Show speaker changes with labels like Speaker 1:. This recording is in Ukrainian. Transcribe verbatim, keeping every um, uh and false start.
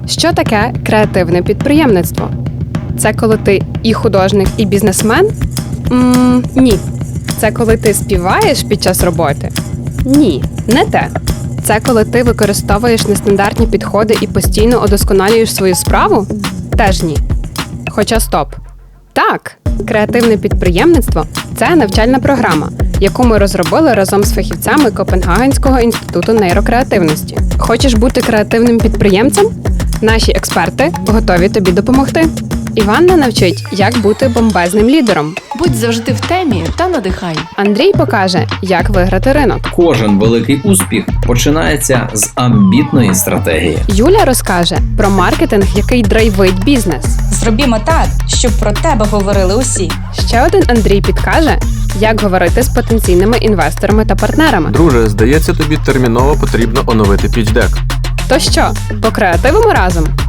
Speaker 1: Що таке креативне підприємництво? Це коли ти і художник, і бізнесмен? М, ні. Це коли ти співаєш під час роботи? Ні, не те. Це коли ти використовуєш нестандартні підходи і постійно удосконалюєш свою справу? Теж ні. Хоча стоп. Так, креативне підприємництво – це навчальна програма, яку ми розробили разом з фахівцями Копенгагенського інституту нейрокреативності. Хочеш бути креативним підприємцем? Наші експерти готові тобі допомогти. Іванна навчить, як бути бомбезним лідером.
Speaker 2: Будь завжди в темі та надихай.
Speaker 1: Андрій покаже, як виграти ринок.
Speaker 3: Кожен великий успіх починається з амбітної стратегії.
Speaker 1: Юля розкаже про маркетинг, який драйвить бізнес.
Speaker 4: Зробімо так, щоб про тебе говорили усі.
Speaker 1: Ще один Андрій підкаже, як говорити з потенційними інвесторами та партнерами.
Speaker 5: Друже, здається, тобі терміново потрібно оновити пітч-дек.
Speaker 1: То що, покреативимо разом?